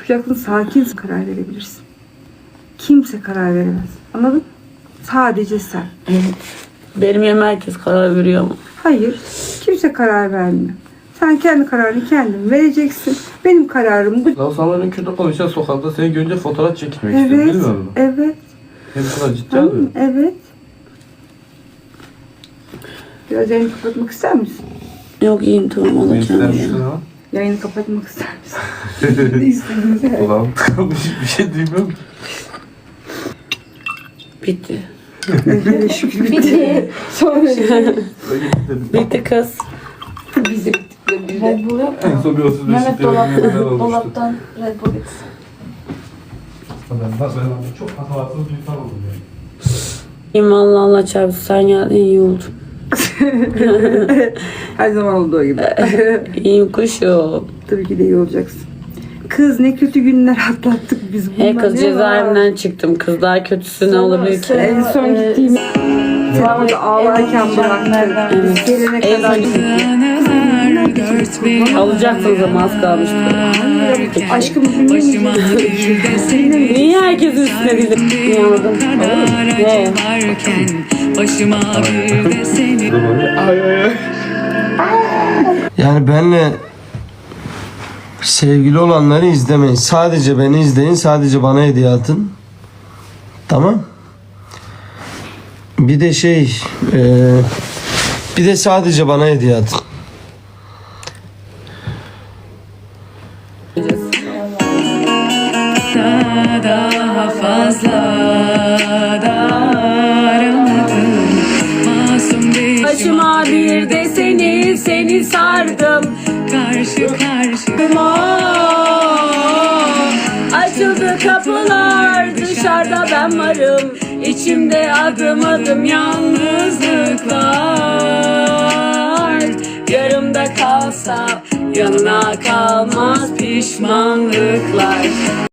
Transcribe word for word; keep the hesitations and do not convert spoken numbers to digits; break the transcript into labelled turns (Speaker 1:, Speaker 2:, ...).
Speaker 1: yapacaksın, sakin karar verebilirsin. Kimse karar veremez. Anladın? Sadece sen.
Speaker 2: Evet. Benim yerime herkes karar veriyor ama.
Speaker 1: Hayır. Kimse karar vermiyor. Sen kendi kararını kendin vereceksin. Benim kararım bu.
Speaker 3: Lan sana ben kötü konuşan sokakta seni görünce fotoğraf çekmek istedim,
Speaker 1: Evet.
Speaker 3: bilmiyor musun?
Speaker 1: Evet.
Speaker 3: Hem bu kadar ciddi
Speaker 1: Tamam,
Speaker 3: alıyor.
Speaker 1: evet. Biraz yayını kapatmak ister misin?
Speaker 2: Yok iyiyim tamam
Speaker 3: Ne
Speaker 2: alacağım
Speaker 3: ister
Speaker 2: ya.
Speaker 3: misin ha?
Speaker 1: Yayını kapatmak ister misin? Ne istediğiniz her.
Speaker 3: Ulan tıkanmış bir şey duymuyorum ki.
Speaker 2: Bitti.
Speaker 1: Hele şükür bitti. Sonra
Speaker 3: Öyle dedim.
Speaker 2: Bitti kız.
Speaker 1: bize bittikleri bir de.
Speaker 4: Red Bull yok
Speaker 3: En
Speaker 4: mu?
Speaker 3: son bir otuz beş
Speaker 4: Mehmet
Speaker 3: litre
Speaker 4: dolaptan,
Speaker 3: neler olmuştu.
Speaker 4: dolaptan Red Bull getirsin.
Speaker 3: Ben, ben, ben çok hatalatsız bir insan oldum yani.
Speaker 2: İyiyim valla Allah çarpsın sen geldin iyi oldu.
Speaker 1: Her zaman olduğu gibi.
Speaker 2: İyiyim kuşum.
Speaker 1: Tabii ki de iyi olacaksın. Kız ne kötü günler atlattık biz bundan.
Speaker 2: He kız
Speaker 1: ne
Speaker 2: cezaevinden
Speaker 1: var?
Speaker 2: çıktım. Kız daha kötüsü ne
Speaker 4: Sonra-
Speaker 2: olabilir ki?
Speaker 1: En son
Speaker 4: Ee,
Speaker 1: gittiğim seni orada ağlarken bıraktım.
Speaker 2: Evet.
Speaker 1: Biz gelene
Speaker 2: En
Speaker 1: kadar
Speaker 2: son
Speaker 1: gittik.
Speaker 2: alacaksınız ama az kalmıştı.
Speaker 1: Aşkım dinlemeyeceğim.
Speaker 2: Niye herkesin üstüne gidip dinlemedim? He.
Speaker 5: Başıma bir de seni
Speaker 3: Ay ay ay.
Speaker 6: Yani benle sevgili olanları izlemeyin. Sadece beni izleyin. Sadece bana hediye atın. Tamam. Bir de şey e, bir de sadece bana hediye atın.
Speaker 5: daha fazla da aramadım. Masum bir
Speaker 2: Başıma bir de seni, seni sardım.
Speaker 5: karşı karşı
Speaker 2: Açıldı kapılar, dışarıda ben varım. İçimde adım adım yalnızlıklar. Yarımda kalsa yanına kalmaz pişmanlıklar.